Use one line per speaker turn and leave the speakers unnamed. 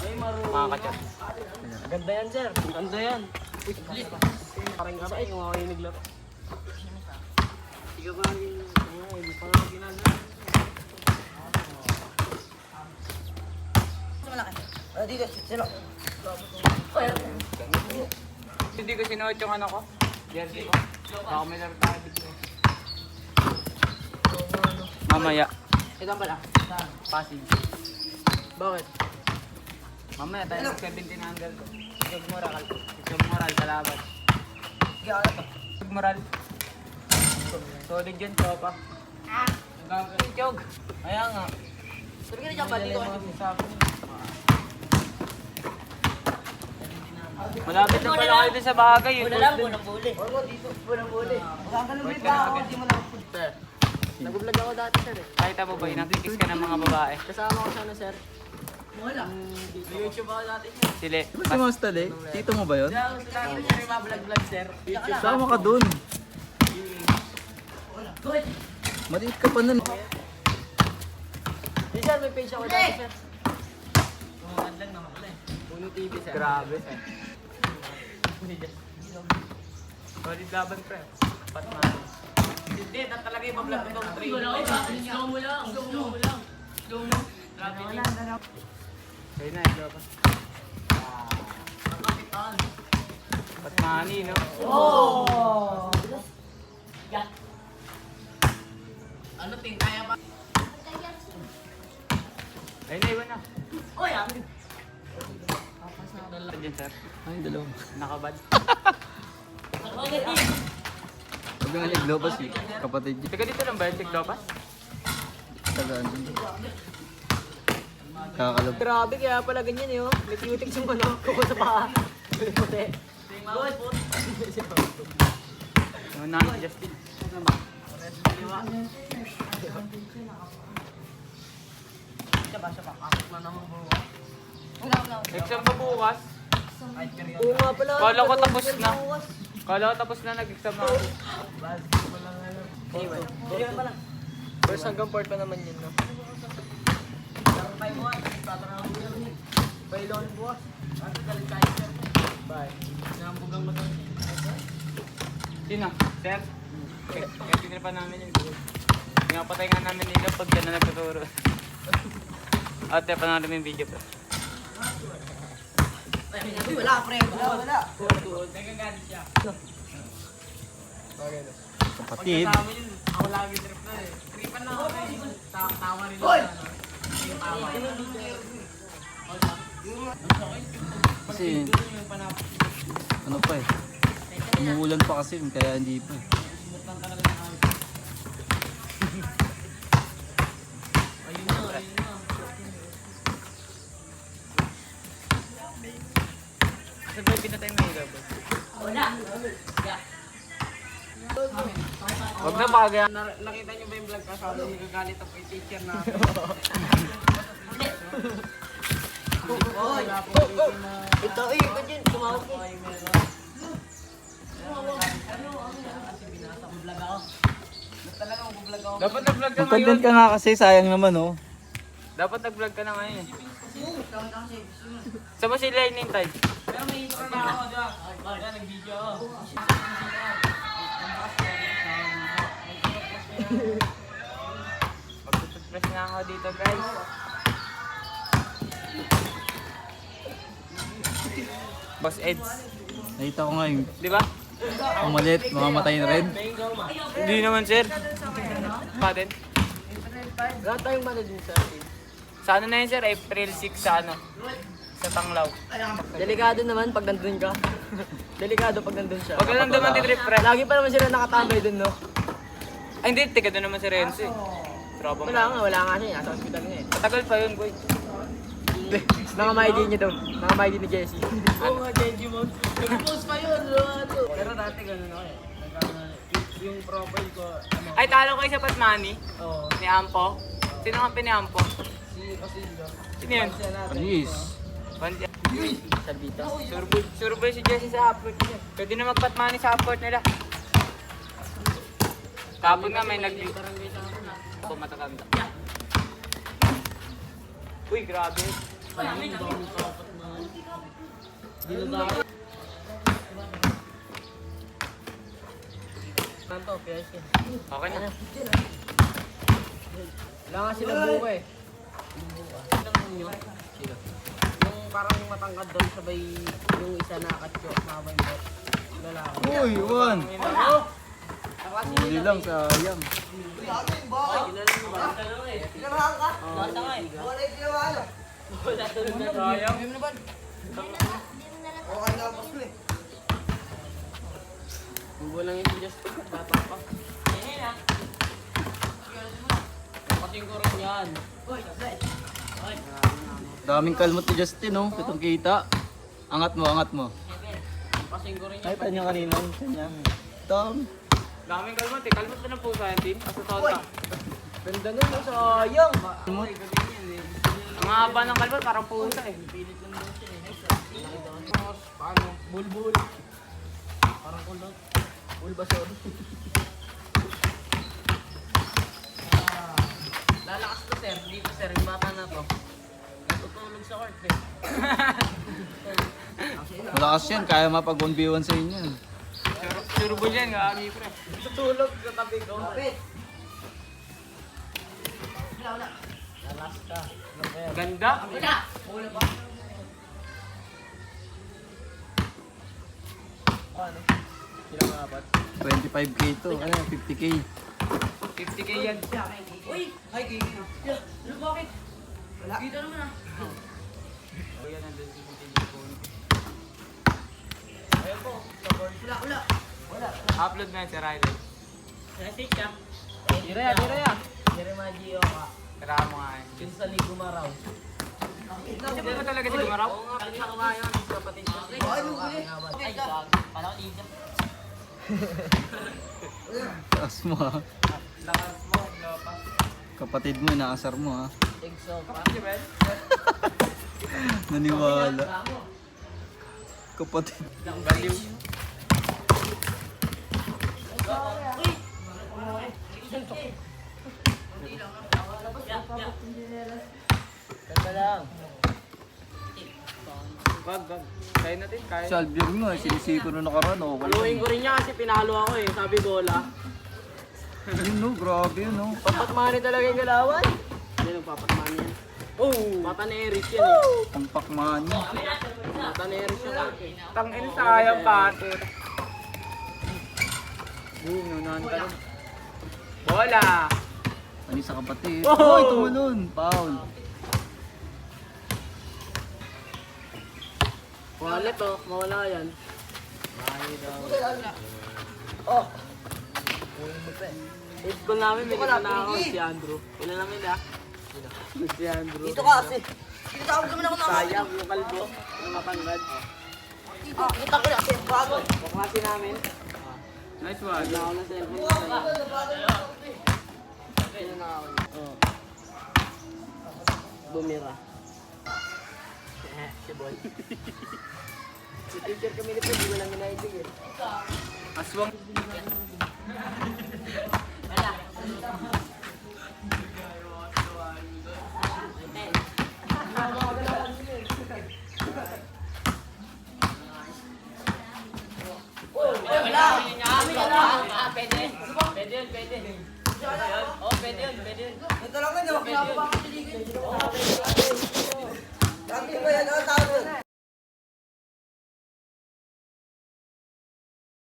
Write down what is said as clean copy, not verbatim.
Mga kachat.
Ganda yan, sir. Ganda yan. Uy, parang nga ba yung mga kayo naglaro. Sige ba, hindi pa nga ginagawa. Dito, sino?
Hindi ko sinuot yung ano ko. Jersey ko. Baka may laro tayo dito. Mamaya.
Ito pala.
Pasig.
Bakit?
Mamaya tayo ng 1700 ko. Sigog moral. Sigog moral kalaban.
Sige, ano to?
Sigog moral. Solid yun, tropa. Nagagawin jog.
Kaya nga. Sabi ka na dyan ba? Dito ka.
Malapit na pala kayo din sa bagay.
Wala lang, bunang buli. Oo, dito. Bunang buli. Magkakalumit ba ako? Hindi mo lang. Sir, nag-vlog ako dati, sir.
Kahit mo ba, inakikis ka ng mga babae.
Kasama ko sana, sir. Wala. YouTube ako dati, sir.
Sili.
Diba si Mostal eh? Tito mo ba yun?
Lagi sir, yung mga vlog-vlog, sir. YouTube.
Sama ka dun.
Good.
Maliit ka pa nun.
Yes, sir, may page ako dati, sir. Tumakan lang naman pala eh. Puno TV, sir.
Grabe. Solid laban, pre. Patman.
Hindi, talaga yung vlog ko. Slow mo lang. Slow mo lang. Slow mo. Grabe niya.
Kaya na, ito pa.
Kapitan.
Patmani, no?
Oh! Ano, ting, kaya ba?
Ayun na, iwan na.
Oh, yan.
Ito dyan, sir.
Ay, dalawa.
Nakabad.
Huwag nga naglobas eh. Kapatid niya.
Teka, dito lang ba yung tiklopas?
Tagaan din. Kakalab.
Grabe, kaya pala ganyan eh, oh. May cutics yung ano, kuko sa paa. Puti. Good.
Yung namin, Justin.
Siya ba? Kakot na naman buwa.
Exam ba bukas?
Oo nga pala.
Kala ko tapos na. Kala ko tapos na, nag-exam na ako.
Anyway, video pa lang. First hanggang fourth pa naman yun, no? Bailon buwas. Ano galing tayo, sir? Bye. Nambugang mo to.
Sino? Sir? Kaya tinira namin yun. Pinapatay nga namin nila pag yan na nagtuturo. At panorin mo yung video pa.
Wala, pre. Wala. Nagagalit siya.
Kapatid.
Ako lagi trip na eh. Tripan na ako eh. Tawa rin lang.
Kasi, ano pa eh. Umuulan pa kasi, kaya hindi pa eh.
Saan ba pinatay mo yung labo?
Wala.
Huwag na bagay.
Nakita niyo ba yung vlog ka? Sabi nagagalit ako kay teacher na. Oy! Ito, ito dyan. Tumawag ko.
Dapat nag-vlog ka
Mag-content
ngayon.
ka nga kasi, sayang naman oh.
Dapat nag-vlog ka na ngayon eh. Saan mo sila inintay?
Pero may intro na ako dyan. Ay, nag-video ako.
Mag-toothbrush na ako dito, guys. Boss Eds.
Nakita ko nga yung
Di ba?
umalit, mamamatay na rin.
Hindi naman, sir. Patin.
Lahat tayong mana din sa atin.
Sa ano na yun, sir? April 6 sa ano? Sa Tanglaw.
Delikado naman pag nandun ka. Delikado pag nandun siya.
Huwag ka lang naman titrip, pre.
Lagi pa naman sila nakatambay dun, no?
Ay, hindi. Tiga doon naman si Renzo eh. Tropa mo.
Wala nga siya. Nasa hospital nga eh.
Matagal pa yun, boy.
Nangamay din niya daw. Nangamay din ni Jessie. Oo nga, Jessie mo. Nag-post pa yun. Pero dati ganun ako eh. Yung profile ko, ano,
Ay, talo kayo sa Patmani.
oo.
Ni Ampo. Sino ang ni Ampo?
Si Osilio.
Sino yun?
Panis.
Bandi.
Salvita.
Surbay si Jesse sa upload niya. Pwede na mag-Patmani sa upload nila. Kapag nga may ako matatanda. Uy, grabe.
Tanto, PS yan.
Okay na.
Wala nga sila buka eh. Sino? Yung parang matangkad doon sabay yung isa nakakatyo, mabay mo. Lalaki.
Uy, Juan!
Naklase
Huli lang, sayang.
Kinalan mo ba?
Pinamahan ka?
Bata nga eh.
Wala yung pinamahan.
Wala doon na sayang.
Okay na, pas mo eh.
Bubo lang yung Diyos ko. Bata pa. Kapatid ko rin yan.
Daming kalmot ni Justin, oh. Itong kita. Angat mo, angat mo.
Kapatid ko rin yan.
Ay, kanya kanina. Kanya. Dami.
Daming kalmot eh. Kalmot na ng pusa yan, team. Asa taon ka.
Ganda nun, no? Sayang.
Kalmot.
Ang haba ng kalmot, parang pusa eh.
Paano? Bulbul. Parang kulot. Bulbasor. Lalakas to sir. Dito sir, yung bata na to. Natutulog sa court eh.
Malakas yan. Kaya mapag 1v1 sa inyo.
Turbo yan, gagi pre.
Natutulog sa tabi ko.
Kapit.
Lalas ka.
Ganda.
Ano? Sila mga apat.
25k to. Ano, 50k.
50k yan.
Uy! Ay, gigi. Ano bakit? Wala. Kita naman ah.
O yan, nandun si Tijipon.
Ayun po.
Wala.
Upload na yan si Ryder.
Message ka. Dire. Dire Magio ka.
Tara mo nga yan.
Pinsan ni Gumaraw.
Hindi ba talaga si Gumaraw?
Oo nga, pinsan ko nga yun. Kapatid ko.
Ano ba eh?
Ay, gag. Pala ko dito.
Taas mo, ha.
Lakas mo, lapas.
Kapatid mo, inaasar mo, ha.
Egso pa.
Kapatid ba?
Naniwala. Kapatid.
Baliw.
Ganda lang.
Wag. Kaya natin, kaya.
Si Albion mo, sinisiko na nakaraan, oh.
Paluin ko rin niya kasi pinalo ako eh. Sabi bola.
Yun, no, grabe yun, no.
Papatmani talaga yung galawan. Ano yung papatmani yan? Oh! Mata ni Eris yan eh.
Ang pakman niya.
Mata ni Eris yan eh.
Tangin sayang pato. Boom, nunahan ka lang. Bola!
Ano sa kapatid?
Oh!
Oy, tumalon. Foul.
Wallet oh, mawala yan.
Oh!
Hit ko namin, may kita na ako si Andrew. Ilan namin ah? Si Andrew.
Dito ka kasi. Dito ako naman ako naman.
Sayang yung kalbo, yung matangad.
Dito. Kita ko na kasi. Bago.
Kaklase namin.
Nice one.
Wala ako ng cellphone ko sa'yo. Sino na ako? Oo. Bumira. Si Boy. Si teacher kami nito, hindi ko lang ginaitig eh.
Aswang.
Ito lang na, di ba? Pinapapakatiligin. Dati ba yan?